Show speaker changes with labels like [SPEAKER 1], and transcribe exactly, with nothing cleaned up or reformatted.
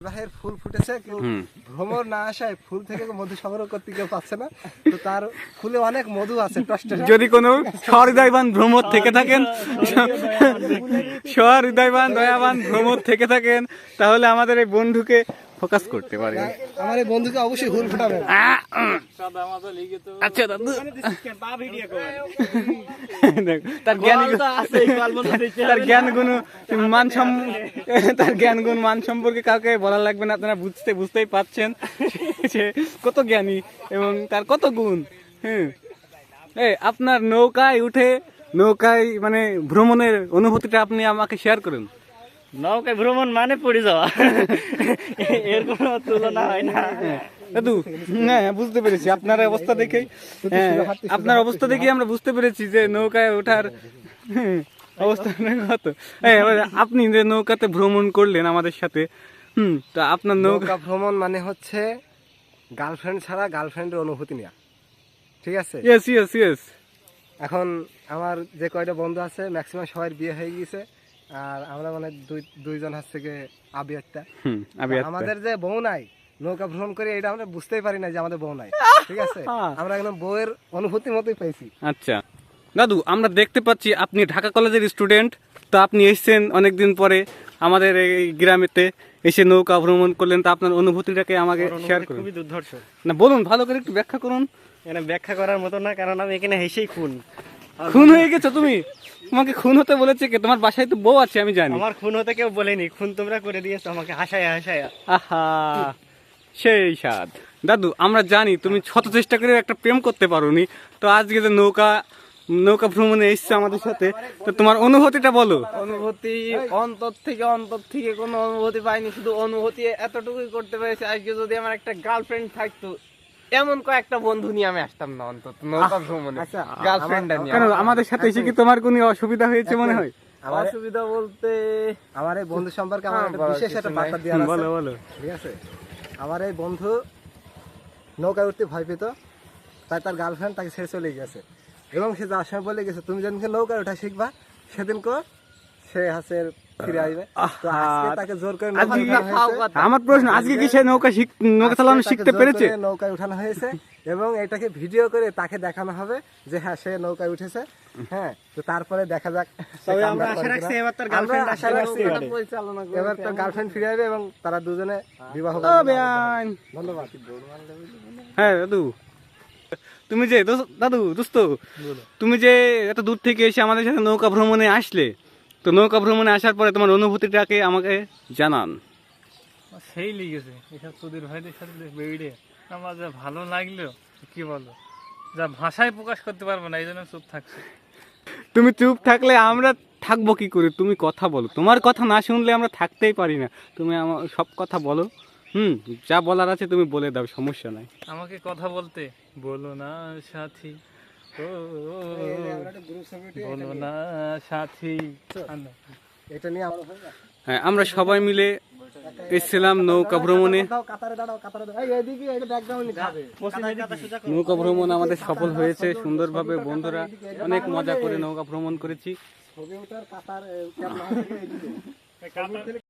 [SPEAKER 1] বিবাহের ফুল ফুটেছে, কেউ ভ্রমর না আসায় ফুল থেকে মধু সংগ্রহ করতে কেউ পাচ্ছে না, তো তার ফুলে অনেক মধু আছে।
[SPEAKER 2] যদি কোনো সহৃদয়বান ভ্রমর থেকে থাকেন, সহৃদয়বান দয়াবান ভ্রমর থেকে থাকেন, তাহলে আমাদের এই বন্ধুকে ফোকাস করতে পারে।
[SPEAKER 1] আমার এই বন্ধুকে অবশ্যই ফুল ফুটাবেন।
[SPEAKER 2] আচ্ছা দাদু, তার জ্ঞান তার জ্ঞান গুণ মান তার জ্ঞান গুণ মান সম্পর্কে কাউকে বলা লাগবে না, আপনারা বুঝতে বুঝতেই পারছেন সে কত জ্ঞানী এবং তার কত গুণ। হ্যাঁ, এই আপনার নৌকায় উঠে নৌকায় মানে ভ্রমণের অনুভূতিটা আপনি আমাকে শেয়ার করুন।
[SPEAKER 3] নৌকায় ভ্রমণ মানে পড়ে যাওয়া, এর কোনো তুলনা হয় না
[SPEAKER 2] দাদু। হ্যাঁ, বুঝতে পেরেছি আপনার অবস্থা দেখেই, হ্যাঁ আপনার অবস্থা দেখেই আমরা বুঝতে পেরেছি যে নৌকায় ওঠার অবস্থা কত। আপনি যে নৌকাতে ভ্রমণ করলেন আমাদের সাথে, হুম, তো আপনার
[SPEAKER 1] নৌকা ভ্রমণ মানে হচ্ছে গার্লফ্রেন্ড ছাড়া গার্লফ্রেন্ডের অনুভূতি নেওয়া, ঠিক আছে?
[SPEAKER 2] Yes yes yes.
[SPEAKER 1] এখন আমার যে কয়টা বন্ধু আছে ম্যাক্সিমাম সবাই বিয়ে হয়ে গেছে, আর আমরা মানে দুই দুইজন হচ্ছে থেকে আবিয়ারটা, আমাদের যে বউ নাই নৌকা ভ্রমণ করে এটা আমরা বুঝতেই পারি না যে আমাদের বউ নাই, ঠিক আছে? আমরা একদম বউয়ের অনুভূতি মতোই পাইছি।
[SPEAKER 2] আচ্ছা দাদু, আমরা দেখতে পাচ্ছি আপনি ঢাকা কলেজের স্টুডেন্ট, তো আপনি এসেছেন অনেকদিন পরে আমাদের এই গ্রামেতে এসে নৌকা ভ্রমণ করলেন, তো আপনার অনুভূতিটাকে আমাকে শেয়ার করুন।
[SPEAKER 3] খুবই দুর্ধর্ষ
[SPEAKER 2] না, বলুন, ভালো করে একটু ব্যাখ্যা করুন।
[SPEAKER 3] এখানে ব্যাখ্যা করার মতো না, কারণ আমি এখানে হেসেই খুন।
[SPEAKER 2] খুন হয়ে গেছো তুমি? তোমাকে খুন হতে বলেছে কে? তোমার বাসায় তো বউ আছে আমি জানি।
[SPEAKER 3] আমার খুন হতে কেউ বলেনি, খুন তোমরা করে দিয়েছো আমাকে হাসায় হাসায়।
[SPEAKER 2] আহা, সেই স্বাদ। দাদু, আমরা জানি তুমি শত চেষ্টা করে একটা প্রেম করতে পারোনি, তো আজকে যে নৌকা নৌকা ভ্রমণে এসছো আমাদের সাথে, তো তোমার অনুভূতিটা বলো।
[SPEAKER 4] অনুভূতি অন্তর থেকে অন্তর থেকে কোনো অনুভূতি পাইনি, শুধু অনুভূতি এতটুকুই করতে পেরেছি, আজকে যদি আমার একটা গার্লফ্রেন্ড থাকতো, এমন কয়েকটা বন্ধু নিয়ে আমি আসতাম না অন্তত নৌকা ভ্রমণে। গার্লফ্রেন্ড নিয়ে
[SPEAKER 2] কেন আমাদের সাথে এসে কি তোমার কোনো অসুবিধা হয়েছে মনে হয়?
[SPEAKER 4] অসুবিধা বলতে
[SPEAKER 1] আমার এই বন্ধু সম্পর্কে আমার একটা বিশেষ একটা বার্তা দেওয়ার আছে।
[SPEAKER 2] বলো বলো।
[SPEAKER 1] ঠিক আছে, আমার এই বন্ধু নৌকায় উঠতে ভয় পেত, তাই তার গার্লফ্রেন্ড তাকে ছেড়ে চলে গেছে, এবং সে যাওয়ার সময় বলে গেছে তুমি যেদিনকে নৌকায় ওঠা শিখবা সেদিন কো সে হাসে ফিরে আসবে। তো আজকে তাকে জোর করে
[SPEAKER 2] আমার প্রশ্ন, আজকে কি সে নৌকা নৌকা চালানো শিখতে পেরেছে?
[SPEAKER 1] নৌকায় উঠানো হয়েছে এবং এটাকে ভিডিও করে তাকে দেখানো হবে যে হ্যাঁ সে নৌকায় উঠেছে। হ্যাঁ, তো তারপরে দেখা যাক।
[SPEAKER 3] তবে আমরা আশা রাখছি এবার তার গার্লফ্রেন্ড আশা রাখছি
[SPEAKER 1] এবার তার গার্লফ্রেন্ড ফিরে আসবে এবং তারা দুজনে বিবাহ
[SPEAKER 2] ও বেয়ান।
[SPEAKER 1] ধন্যবাদ।
[SPEAKER 2] হ্যাঁ দাদু, তুমি যে দাদু দোস্ত তুমি যে এত দূর থেকে এসে আমাদের সাথে নৌকা ভ্রমণে আসলে, তো নৌকা ভ্রমণে আসার পরে তোমার অনুভূতিটাকে আমাকে জানান।
[SPEAKER 3] সেই লিগেছে এসব সুধীর ভাইদের সাথে বেড়ে আমার যা ভালো লাগলো, কি বলো, যা ভাষায় প্রকাশ করতে পারবো না, এই জন্য চুপ থাকছি।
[SPEAKER 2] তুমি চুপ থাকলে আমরা থাকবো কি করে? তুমি কথা বলো, তোমার কথা না শুনলে আমরা থাকতেই পারি না। তুমি আমার সব কথা বলো, হুম, যা বলার আছে তুমি বলে দাও, সমস্যা নাই।
[SPEAKER 3] আমাকে কথা বলতে বলো না সাথী, ও বলো না সাথী।
[SPEAKER 1] এটা নিয়ে
[SPEAKER 2] হ্যাঁ, আমরা সবাই মিলে এসেছিলাম নৌকা ভ্রমণে। নৌকা ভ্রমণ আমাদের সফল হয়েছে সুন্দরভাবে, বন্ধুরা অনেক মজা করে নৌকা ভ্রমণ করেছি।